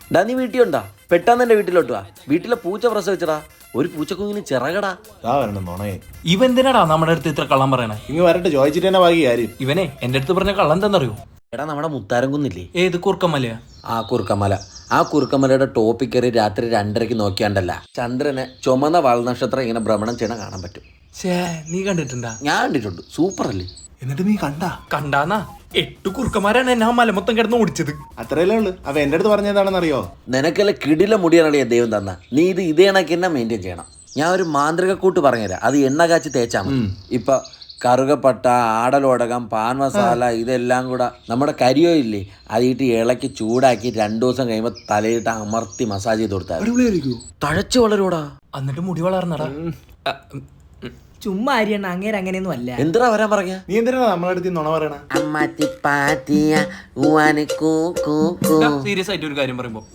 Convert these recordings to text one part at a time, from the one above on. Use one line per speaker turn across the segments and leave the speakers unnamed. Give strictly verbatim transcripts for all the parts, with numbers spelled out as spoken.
ഡാ നീ വീട്ടിലുണ്ടാ? പെട്ടെന്ന് എന്റെ വീട്ടിലോട്ട് വാ. വീട്ടിലെ പൂച്ച പ്രസവിച്ചടാ. ഒരു പൂച്ചക്കുഞ്ഞിന് ചിറകടാ.
ഇവ എന്തിനാടാ നമ്മുടെ അടുത്ത് ഇത്ര കള്ളം പറയണേ?
ഇങ്ങ് വരട്ടെ, ചോദിച്ചിട്ട് തന്നെ ബാക്കി കാര്യം.
ഇവനെ എന്റെ അടുത്ത് പറഞ്ഞ കള്ളം എന്താണെന്നറിയോ?
എടാ നമ്മുടെ മുത്താരം കുന്നില്ലേ?
ഏത് കുറുക്കമ്മലയാ?
ആ കുറുക്കമല. ആ കുറുക്കമലയുടെ ടോപ്പിൽ കയറി രാത്രി രണ്ടരയ്ക്ക് നോക്കിയാണ്ടല്ല ചന്ദ്രനെ ചുമന്ന വാൽനക്ഷത്രം ഇങ്ങനെ ഭ്രമണം ചെയ്യണ കാണാൻ പറ്റും.
ഛേ, നീ കണ്ടിട്ടുണ്ടാ?
ഞാൻ കണ്ടിട്ടുണ്ട്. സൂപ്പർ അല്ലേ?
എന്നിട്ട് നീ കണ്ടാ?
കണ്ടാന്നാ? എട്ട് കുറുക്കന്മാരാണ് എന്നെ ആ മല മൊത്തം കിടന്ന് ഓടിച്ചത്.
അത്രയല്ലേ ഉള്ളു. അവ എന്റെ അടുത്ത് പറഞ്ഞതാണെന്നറിയോ?
നിനക്കല്ല കിടില മുടിയാണല്ലേ ദൈവം തന്ന. നീ ഇത് ഇതേ കണക്ക് തന്നെ മെയിൻറ്റെയിൻ ചെയ്യണം. ഞാൻ ഒരു മാന്ത്രിക കൂട്ട് പറഞ്ഞുതരാം. അത് എണ്ണ കാച്ചി തേച്ചാൽ മതി. ഇപ്പൊ കറുകപ്പട്ട, ആടലോടകം, പാൻ മസാല ഇതെല്ലാം കൂടെ നമ്മുടെ കരിയോ ഇല്ലേ, അതിട്ട് ഇളക്കി ചൂടാക്കി രണ്ടു ദിവസം കഴിയുമ്പോൾ തലയിട്ട് അമർത്തി മസാജ് ചെയ്ത് കൊടുത്താൽ തഴച്ചു വളരൂടാ.
എന്നിട്ട് മുടി വളർന്നടാ.
ചുമ്മാ അരിയണ്ണ, അങ്ങേര് അങ്ങനെയൊന്നും അല്ല.
എന്തിനാ വരാൻ പറഞ്ഞ?
നീ എന്തിനാ നമ്മളെ അടുത്ത് നുണ പറയണ?
സീരിയസ് ആയിട്ട് ഒരു കാര്യം പറയുമ്പോ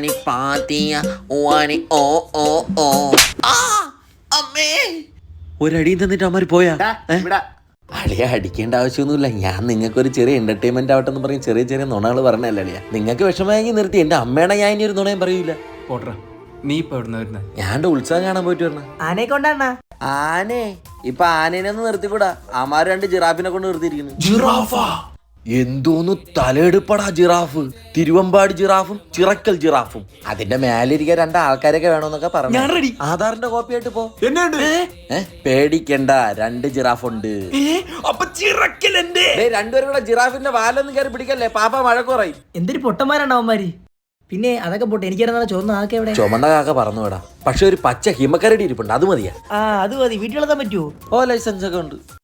ഒരടിയും തന്നിട്ട് അമ്മമാര് പോയാ? അളിയ അടിക്കേണ്ട ആവശ്യമൊന്നുമില്ല. ഞാൻ നിങ്ങൾക്കൊരു ചെറിയ എന്റർടൈൻമെന്റ് ആവട്ടെ എന്ന് പറയും ചെറിയ ചെറിയ നുണകൾ പറഞ്ഞല്ലേ അളിയ. നിങ്ങൾക്ക് വിഷമമായെങ്കിൽ നിർത്തി. എന്റെ അമ്മേണ ഞാൻ ഇനി ഒരു നുണയും പറയൂല.
പോട്ടെ, നീ ഇപ്പൊ എവിടുന്ന വരുന്നേ?
ഞാൻ ഉത്സവം കാണാൻ പോയിട്ട് വരണ.
ആനയെ കൊണ്ടാണ?
ആനേ ഇപ്പൊ ആനേനെ ഒന്നും നിർത്തിക്കൂടാ. അമാര് രണ്ട് ജിറാഫിനെ കൊണ്ട് നിർത്തിയിരിക്കുന്നു.
ജിറാഫാ?
എന്തോന്നു തലയെടുപ്പടാ ജിറാഫ്. തിരുവമ്പാടി ജിറാഫും ചിറക്കൽ ജിറാഫും. അതിന്റെ മേലിരിക്കാൻ രണ്ട് ആൾക്കാരൊക്കെ വേണമെന്നൊക്കെ പറഞ്ഞു.
ഞാൻ റെഡി.
ആധാറിന്റെ കോപ്പി ആയിട്ട് പോ.
എന്നെ
പേടിക്കണ്ട, രണ്ട് ജിറാഫ് ഉണ്ട്.
അപ്പൊ ചിറക്കൽ എന്റെ.
രണ്ടുപേരും കൂടെ ജിറാഫിന്റെ വാലൊന്നും കയറി പിടിക്കല്ലേ, പാപ്പ മഴക്കുറയും.
എന്തൊരു പൊട്ടന്മാരാണ് അവന്മാര്. പിന്നെ അതൊക്കെ പോട്ടെ, എനിക്കറിയാം ചോദിച്ചു ആക്കെ എവിടെ?
ചുമന്ന കാക്ക പറന്നു വിടാ. പക്ഷെ ഒരു പച്ച ഹിമക്കരടി ഇരിപ്പുണ്ട്, അത് മതിയാ.
ആ അത് മതി. വീട്ടിലെത്താൻ പറ്റുമോ?
ഓ ലൈസൻസ് ഒക്കെ ഉണ്ട്.